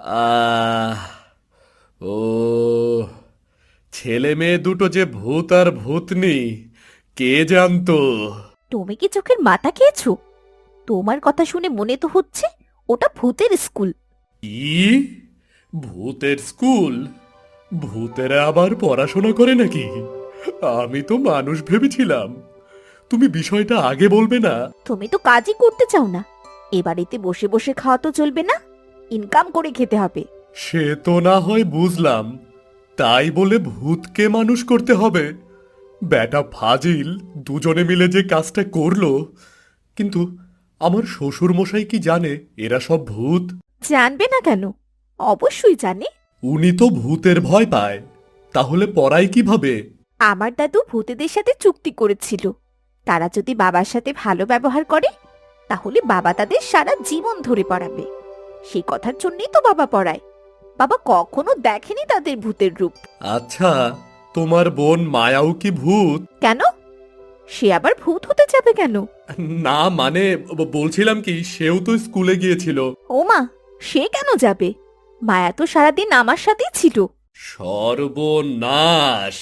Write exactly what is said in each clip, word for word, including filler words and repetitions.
আহ ও ছেলে মেয়ে দুটো যে ভূত আর ভূতনি, কে জানতো? তুমি কি চোখের মাথা খেয়েছো? তোমার কথা শুনে মনে তো হচ্ছে ওটা ভূতের স্কুল। কি? ভূতের স্কুল? ভূতেরা আবার পড়াশোনা করে নাকি? আমি তো মানুষ ভেবেছিলাম। তুমি বিষয়টা আগে বলবে না? তুমি তো কাজই করতে চাও না। এ বাড়িতে বসে বসে খাওয়া তো চলবে না, ইনকাম করে খেতে হবে। সে তো না হয় বুঝলাম, তাই বলে ভূতকে মানুষ করতে হবে? বেটা ফাজিল দুজনে মিলে যে কাজটা করলো, কিন্তু আমার শ্বশুর মশাই কি জানে এরা সব ভূত? জানবে না কেন? অবশ্যই জানে। উনি তো ভূতের ভয় পায়, তাহলে পড়ায় কিভাবে? আমার দাদু ভূতেদের সাথে চুক্তি করেছিল, তারা যদি বাবার সাথে ভালো ব্যবহার করে তাহলে বাবা তাদের সারা জীবন ধরে পড়াবে। সেই কথার জন্যই তো বাবা পড়ায়। বাবা কখনো দেখেনি তাদের ভূতের রূপ। আচ্ছা, তোমার বোন মায়াও কি ভূত? কেন? সে আবার ভূত হতে যাবে কেন? না মানে ব- বলছিলাম কি, সেও তো স্কুলে গিয়েছিল। ও মা, সে কেন যাবে? মায়া তো সারাদিন আমার সাথেই ছিল। সর্বনাশ!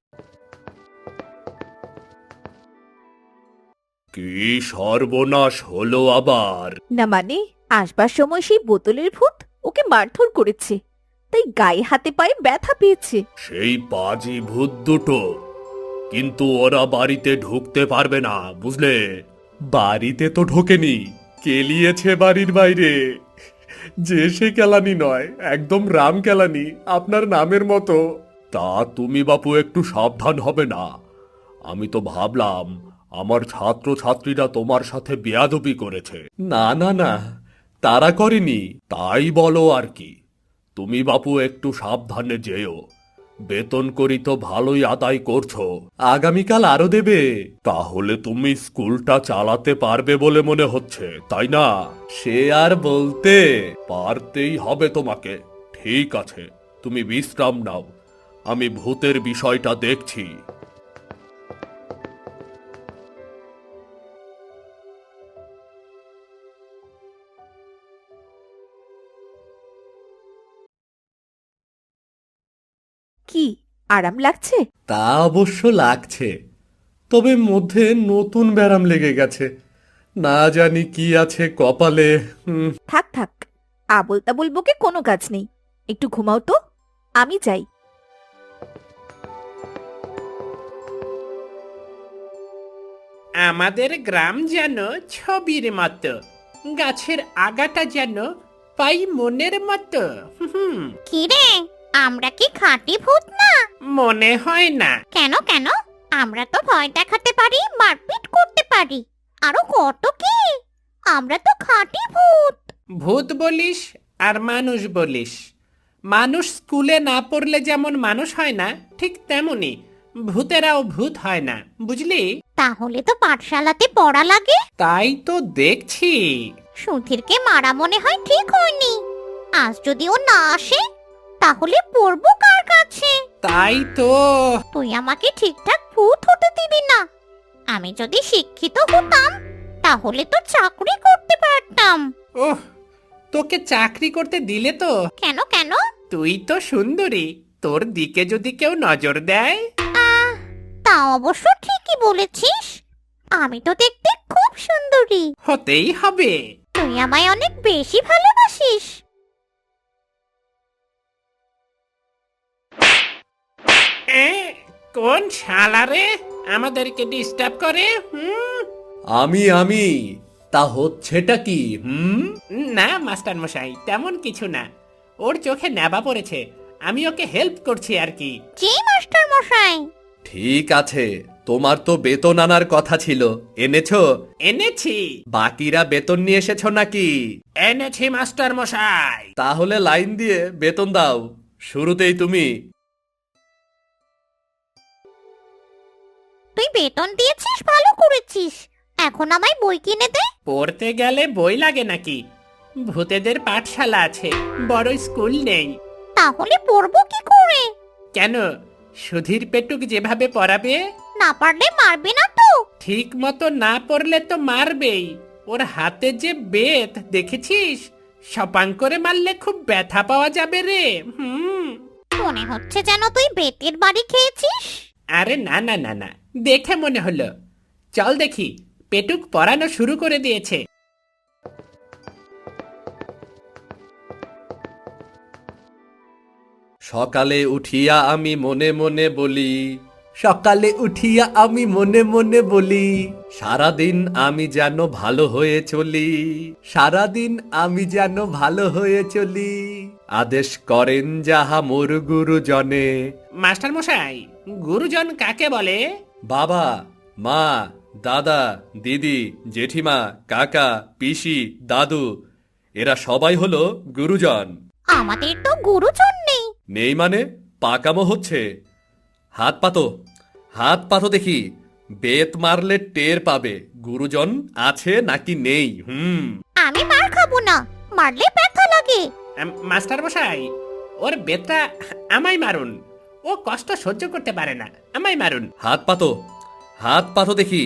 কি সর্বনাশ হলো আবার? না মানে, আসবার সময় সেই বোতলের ভূত ওকে মারধর করেছে, তাই গায়ে হাতে পায়ে ব্যথা পেয়েছে। সেই পাজি ভূত দুটো, কিন্তু ওরা বাড়িতে ঢুকতে পারবে না, বুঝলে? বাড়িতে তো ঢোকেনি, কেলিয়েছে বাড়ির বাইরে। যে সে কেলানি নয়, একদম রাম কেলানি, আপনার নামের মতো। তা তুমি বাপু একটু সাবধান হবে না? আমি তো ভাবলাম আমার ছাত্র ছাত্রীরা তোমার সাথে বেয়াদবি করেছে। না না না, তারা করেনি। তাই বলো আর কি। তুমি বাপু একটু সাবধানে যেও। বেতন করি তো ভালোই আদায় করছো, আগামীকাল আরো দেবে। তাহলে তুমি স্কুলটা চালাতে পারবে বলে মনে হচ্ছে, তাই না? সে আর বলতে, পারতেই হবে তোমাকে। ঠিক আছে, তুমি বিশ্রাম নাও, আমি ভূতের বিষয়টা দেখছি। কি আরাম লাগছে? তা অবশ্য লাগছে, তবে মধ্যে নতুন ব্যারাম লেগে গেছে। না জানি কি আছে কপালে। হুম। থাক থাক, আবল তাবল বকে কোনো কাজ নেই। একটু ঘুমাও তো, আমি যাই। আমাদের গ্রাম যেন ছবির মতো, গাছের আগাটা যেন পাই মনের মতো। হুম, কিরে, আমরা কি খাঁটি ভূত না? মনে হয় না। কেন কেন? আমরা তো ভয় দেখাতে পারি, মারপিট করতে পারি, আরো কত কি। আমরা তো খাঁটি ভূত। ভূত বলিস আর মানুষ বলিস। মানুষ স্কুলে না পড়লে যেমন মানুষ হয় না, ঠিক তেমনি ভূতেরাও ভূত হয় না, বুঝলি? তাহলে তো পাঠশালাতে পড়া লাগে। তাই তো দেখছি। সুধীরকে মারা মনে হয় ঠিক হয়নি। আজ যদি ও না আসে তাহলে পড়বো কার কাছে? তাই তো। তুই আমাকে ঠিকঠাক ভূত হতে দিবি না। আমি যদি শিক্ষিত হতাম তাহলে তো চাকরি করতে পারতাম। ওহ, তোকে চাকরি করতে দিলে তো? কেন কেন? তুই তো সুন্দরী, তোর দিকে যদি কেউ নজর দেয়। আহ, তা অবশ্য ঠিকই বলেছিস। আমি তো দেখতে খুব সুন্দরী। হতেই হবে। তুই আমায় অনেক বেশি ভালোবাসিস। এ, কোন শালা রে আমাদেরকে ডিস্টার্ব করে? হুম। আমি আমি তা হচ্ছেটা কি? হুম। না মাস্টার মশাই, তেমন কিছু না। ওর চোখে নেবা পড়েছে, আমি ওকে হেল্প করছি আর কি। জি মাস্টার মশাই। ঠিক আছে, তোমার তো বেতন আনার কথা ছিল, এনেছো? এনেছি। বাকিরা বেতন নিয়ে এসেছো নাকি? এনেছি মাস্টার মশাই। তাহলে লাইন দিয়ে বেতন দাও, শুরুতেই তুমি। তুই বেতন দিয়েছিস, ভালো করেছিস। এখন আমায় বই কিনে দে। পড়তে গেলে বই লাগে নাকি? ভূতেদের পাঠশালা আছে, বড় স্কুল নেই। তাহলে পড়বো কি করে? কেন, সুধীর পেটুক যেভাবে পড়াবে। না পারলে মারবে না তো? ঠিক মতো না পড়লে তো মারবেই। ওর হাতে যে বেত দেখেছিস, সপাং করে মারলে খুব ব্যথা পাওয়া যাবে রে। হুম। মনে হচ্ছে যেন তুই বেতের বাড়ি খেয়েছিস। আরে না না না না, দেখে মনে হলো। চল দেখি, পেটুক পড়ানো শুরু করে দিয়েছে। সকালে উঠিয়া আমি মনে মনে বলি, সকালে উঠিয়া আমি মনে মনে বলি, সারাদিন আমি যেন ভালো হয়ে চলি, সারাদিন আমি যেন ভালো হয়ে চলি, আদেশ করেন যাহা মোর গুরুজনে। মাস্টার মশাই, গুরুজন কাকে বলে? বাবা, মা, দাদা, দিদি, জেঠিমা, কাকা, পিসি, দাদু, এরা সবাই হলো গুরুজন। আমাদের তো গুরুজন নেই। নেই মানে পাকামো হচ্ছে। হাত পাতো, হাত পাতো দেখি, বেত মারলে টের পাবে গুরুজন আছে নাকি নেই। হুম। আমি মার খাবো না, মারলে ব্যথা লাগে। আম, মাস্টার মশাই, ওর বেতটা আমায় মারুন। ও কষ্ট সহ্য করতে পারে না, আমায় মারুন। হাত পাতো, হাত পাতো দেখি।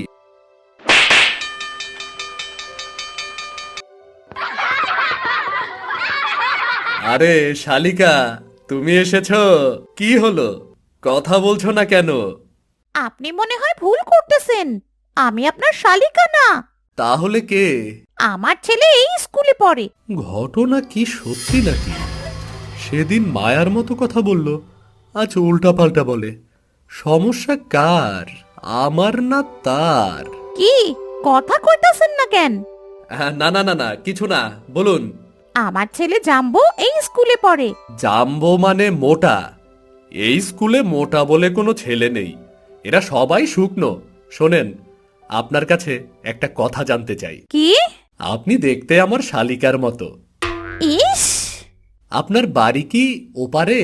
আরে শালিকা, তুমি এসেছো? কি হলো, কথা বলছো না কেন? আপনি মনে হয় ভুল করতেছেন। আমি আপনার শালিকা না। তাহলে কে? আমার ছেলে এই স্কুলে পড়ে। ঘটনা কি সত্যি নাকি? সেদিন মায়ার মতো কথা বলল, আজ উল্টা পাল্টা বলে। সমস্যা কার, আমার না তার? কি কথা কইতাছেন না কেন? আহ, না না না না, কিছু না, বলুন। আমার ছেলে জাম্বো এই স্কুলে পড়ে। জাম্বো মানে মোটা? এই স্কুলে মোটা বলে কোনো ছেলে নেই, এরা সবাই শুকনো। শোনেন, আপনার কাছে একটা কথা জানতে চাই। কি? আপনি দেখতে আমার শালিকার মতো। ইস, আপনার বাড়ি কি ওপারে?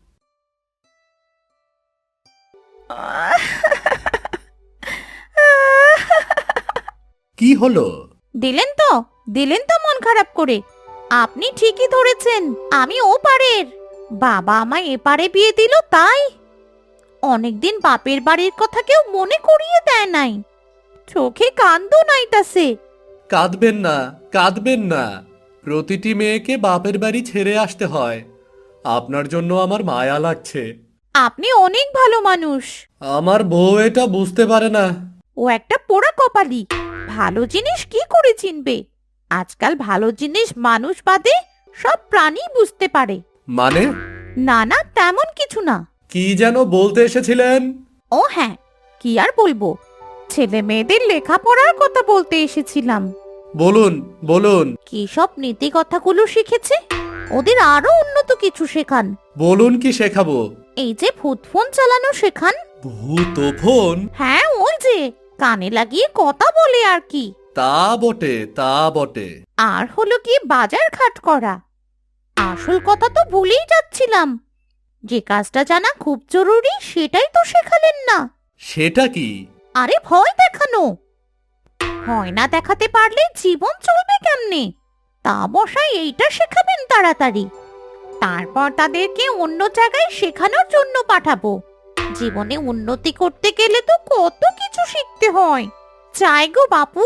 কি হলো? দিলেন তো দিলেন তো মন খারাপ করে। আপনি ঠিকই ধরেছেন, আমি ও পারের। বাবা আমায় এপারে বিয়ে দিল তাই। অনেকদিন বাপের বাড়ির কথা কেউ মনে করিয়ে দেয় নাই। চোখে কান্দো নাইতাছে। কাঁদবেন না, কাঁদবেন না। প্রতিটি মেয়েকে বাপের বাড়ি ছেড়ে আসতে হয়। আপনার জন্য আমার মায়া লাগছে। আপনি অনেক ভালো মানুষ। আমার বউ এটা বুঝতে পারে না। ও একটা পোড়া কপালি। ভালো জিনিস কি করে চিনবে? আজকাল ভালো জিনিস মানুষ বাদে সব প্রাণী বুঝতে পারে। মানে? না না, তেমন কিছু না। কি যেন বলতে এসেছিলেন? ও হ্যাঁ, কি আর বলবো, ছেলে মেয়েদের লেখাপড়ার কথা বলতে এসেছিলাম। বলুন বলুন। কি সব নীতি কথাগুলো শিখেছে, ওদের আরো উন্নত কিছু শেখান। বলুন কি শেখাবো? এই যে ভূত ফোন চালানো শেখান। ভূত ফোন? হ্যাঁ, ওই যে কানে লাগিয়ে কথা বলে আর কি। তা বটে, তা বটে। আর হলো কি বাজার ঘাট করা। আসল কথা তো ভুলেই যাচ্ছিলাম, যে কাজটা জানা খুব জরুরি সেটাই তো শেখালেন না। সেটা কি? আরে ভয় দেখানো। ভয় না দেখাতে পারলে জীবন চলবে কেমনে? তা মশাই এইটা শেখাবেন তাড়াতাড়ি। তারপর তাদেরকে অন্য জায়গায় শেখানোর জন্য পাঠাবো। জীবনে উন্নতি করতে গেলে তো কত কিছু শিখতে হয়। চাই গো বাপু।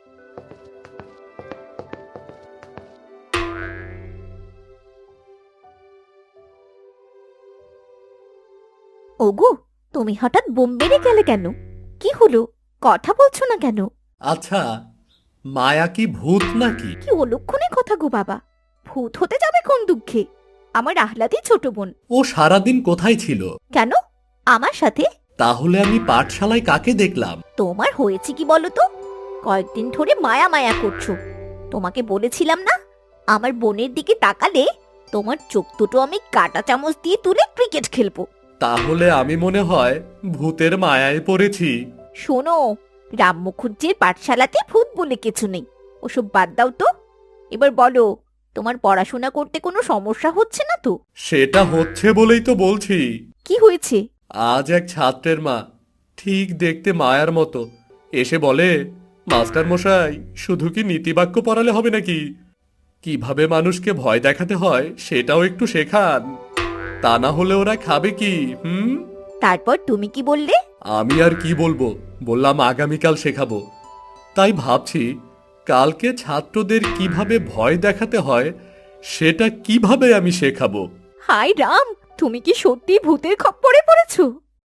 ওগো, তুমি হঠাৎ বোম মেরে গেলে কেন? কি হলো, কথা বলছো না কেন? আচ্ছা, মায়া কি ভূত নাকি? কি অলক্ষণে কথা গো বাবা। ভূত হতে যাবে কোন দুঃখে? আমার আহ্লাদি ছোট বোন। ও সারাদিন কোথায় ছিল? কেন, আমার সাথে? তাহলে আমি পাঠশালায় কাকে দেখলাম? তোমার হয়েছে কি বলো তো? কয়েকদিন ধরে মায়া মায়া করছো। তোমাকে বলেছিলাম না, আমার বোনের দিকে তাকালে তোমার চোখ দুটো আমি কাঁটা চামচ দিয়ে তুলে ক্রিকেট খেলবো। তাহলে আমি মনে হয় ভূতের মায়ায় পড়েছি। শোনো, রাম মুখুজ্জির পাঠশালাতে ভূত বলে কিছু নেই। ওসব বাদ দাও তো। এবার বলো, তোমার পড়াশোনা করতে কোনো সমস্যা হচ্ছে না তো? সেটা হচ্ছে বলেই তো বলছি। কি হয়েছে? আজ এক ছাত্রের মা, ঠিক দেখতে মায়ার মতো, এসে বলে, মাস্টার মশাই, শুধু কি নীতিবাক্য পড়ালে হবে নাকি? কিভাবে মানুষকে ভয় দেখাতে হয় সেটাও একটু শেখান। তা না হলে ওরা খাবে কি? হুম। তারপর তুমি কি বললে? আমি আর কি বলবো, বললাম আগামীকাল শেখাবো। তাই ভাবছি কালকে ছাত্রদের কিভাবে ভয় দেখাতে হয় সেটা কিভাবে আমি শেখাবো? হাই রাম, তুমি কি সত্যি ভূতের খপ্পরে পড়েছো?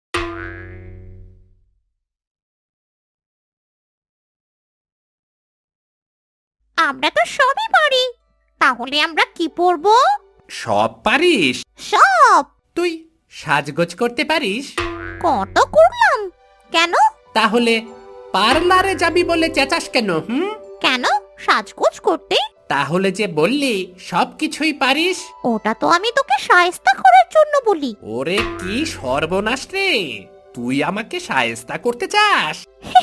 আমরা তো সবই পারি, তাহলে আমরা কি পরবো? সব পারিস? সব। তুই সাজগোজ করতে পারিস? কত করলাম। কেন? তাহলে পার্লারে যাবি বলে চেঁচাস কেন? হুম, কেন সাজগোজ করতে? তাহলে যে বললি সব কিছুই পারিস। ওটা তো আমি তোকে শায়েস্তা করার জন্য বলি। ওরে কি সর্বনাশ রে, তুই আমাকে শায়েস্তা করতে চাস?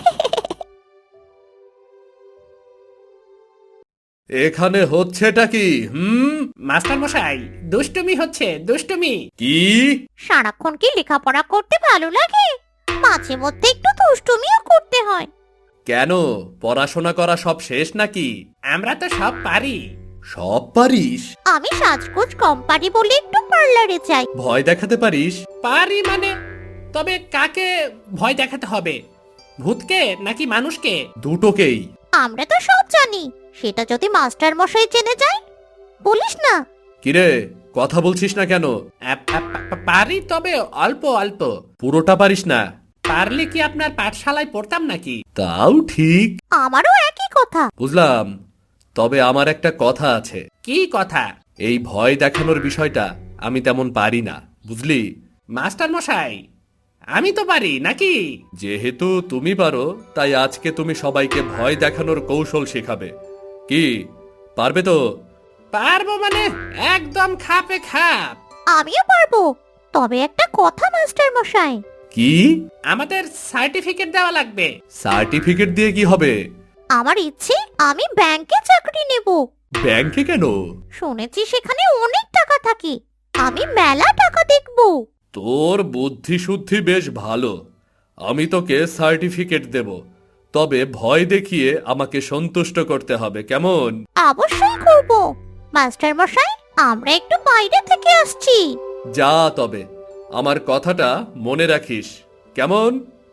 এখানে হচ্ছেটা কি? হুম, মাস্টার মশাই, দুষ্টুমি হচ্ছে, দুষ্টুমি। কি? সারাক্ষণ কি লেখাপড়া করতে ভালো লাগে? মাঝে মধ্যে একটু দুষ্টুমিও করতে হয়। কেন, পড়াশোনা করা সব শেষ নাকি? আমরা তো সব পারি। সব পারিস? আমি সাজগোজ কম পারি বলে একটু পার্লারে যাই। ভয় দেখাতে পারিস? পারি মানে? তবে কাকে ভয় দেখাতে হবে, ভূতকে নাকি মানুষকে? দুটোকেই। আমরা তো সব জানি, সেটা যদি মাস্টার মশাই জেনে যায়? বলিস না। কিরে, কথা বলছিস না কেন? আ- আ- পা- পারি, তবে অল্প অল্প। পুরোটা পারিস না? পারলে কি আপনার পাঠশালায় পড়তাম নাকি? তাও ঠিক, আমারও একই কথা। বুঝলাম। তবে আমার একটা কথা আছে। কি কথা? এই ভয় দেখানোর বিষয়টা আমি তেমন পারি না, বুঝলি? মাস্টার মশাই, আমি তো পারি নাকি? যেহেতু তুমি পারো, তাই আজকে তুমি সবাইকে ভয় দেখানোর কৌশল শেখাবে। কি, পারবে তো? পারবো মানে একদম খাপে খাপ। আমিও পারবো, তবে একটা কথা মাস্টার মশাই। কি? আমাদের সার্টিফিকেট দেওয়া লাগবে। সার্টিফিকেট দিয়ে কি হবে? আমার ইচ্ছে আমি ব্যাংকে চাকরি নেব। ব্যাংকে কেন? শুনেছি সেখানে অনেক টাকা থাকে, আমি মেলা টাকা দেখব। তোর বুদ্ধি শুদ্ধি বেশ ভালো। আমি তোকে সার্টিফিকেট দেব, তবে ভয় দেখিয়ে আমাকে সন্তুষ্ট করতে হবে, কেমন? অবশ্যই করব। মাস্টার মশাই, আমরা একটু বাইরে থেকে আসছি। যা তবে, আমার কথাটা মনে রাখিস, কেমন?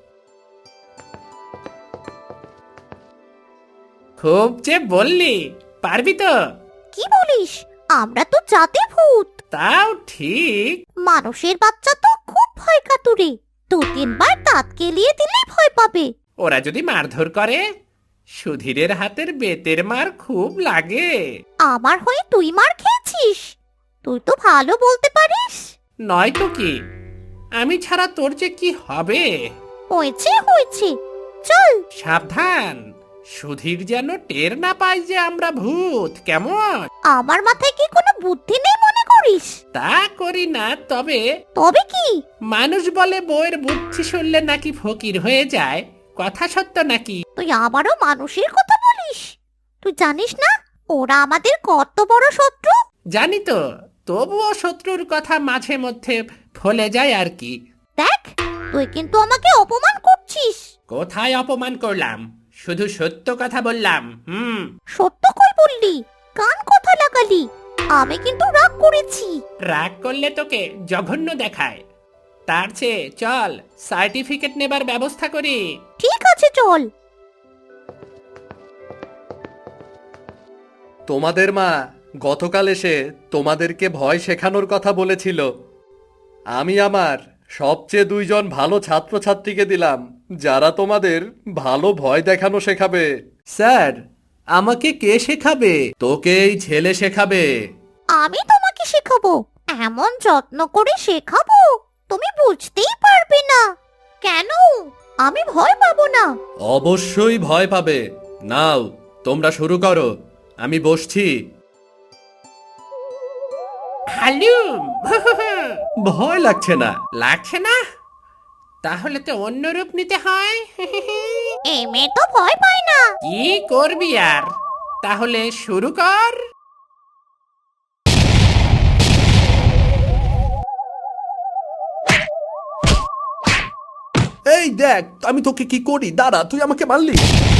খুব যে বললি, পারবি তো? কি বলিস? আমরা তো জাতে ভূত। তাও ঠিক। মানুষের বাচ্চা তো খুব ভয় কাতুরে, দু তিনবার দাঁত কেলিয়ে দিলে ভয় পাবে। ওরা যদি মারধর করে, সুধীরের হাতের বেতের মার খুব লাগে। আমার হয়ে তুই মার খেয়েছিস? তুই তো ভালো বলতে পারিস। নয়তো কি, আমি ছাড়া তোর যে কি হবে। হয়েছে হয়েছে, চল। সাবধান, সুধীর যেন টের না পায় যে আমরা ভূত, কেমন? আমার মাথায় কি কোনো বুদ্ধি নেই মনে করিস? তা করি না, তবে তবে কি? মানুষ বলে বউয়ের বুদ্ধি শুনলে নাকি ফকির হয়ে যায়, কথা সত্য নাকি? তুই আবারও মানুষের কথা বলিস? তুই জানিস না ওরা আমাদের কত বড় শত্রু? জানি তো, তবুও শত্রুর কথা মাঝে মধ্যে ফলে যায় আর কি। দেখ, তুই কিন্তু আমাকে অপমান করছিস। কোথায় অপমান করলাম? শুধু সত্য কথা বললাম। হুম। সত্য কই বললি? কান কথা লাগালি। আমি কিন্তু রাগ করেছি। রাগ করলে তোকে জঘন্য দেখায়। তার চেয়ে চল সার্টিফিকেট নেবার ব্যবস্থা করি। ঠিক আছে, চল। তোমাদের মা গতকাল এসে তোমাদেরকে ভয় শেখানোর কথা বলেছিল। আমি আমার সবচেয়ে দুইজন ভালো ছাত্রছাত্রীকে দিলাম, যারা তোমাদের ভালো ভয় দেখানো শেখাবে। স্যার, আমাকে কে শেখাবে? তোকে এই ছেলে শেখাবে। আমি তোমাকে শেখাবো, এমন যত্ন করে শেখাবো তুমি বুঝতেই পারবে না। কেন? আমি ভয় পাবো না। অবশ্যই ভয় পাবে। নাও, তোমরা শুরু করো, আমি বসছি। হালুম। ভয় লাগছে না? লাগছে না? তাহলে তো অন্য রূপ নিতে হয়। এই মেয়ে তো ভয় পায় না। কি করবি আর? তাহলে শুরু কর। এই দেখ আমি তোকে কি করি, দাঁড়া, তুই আমাকে মারলি।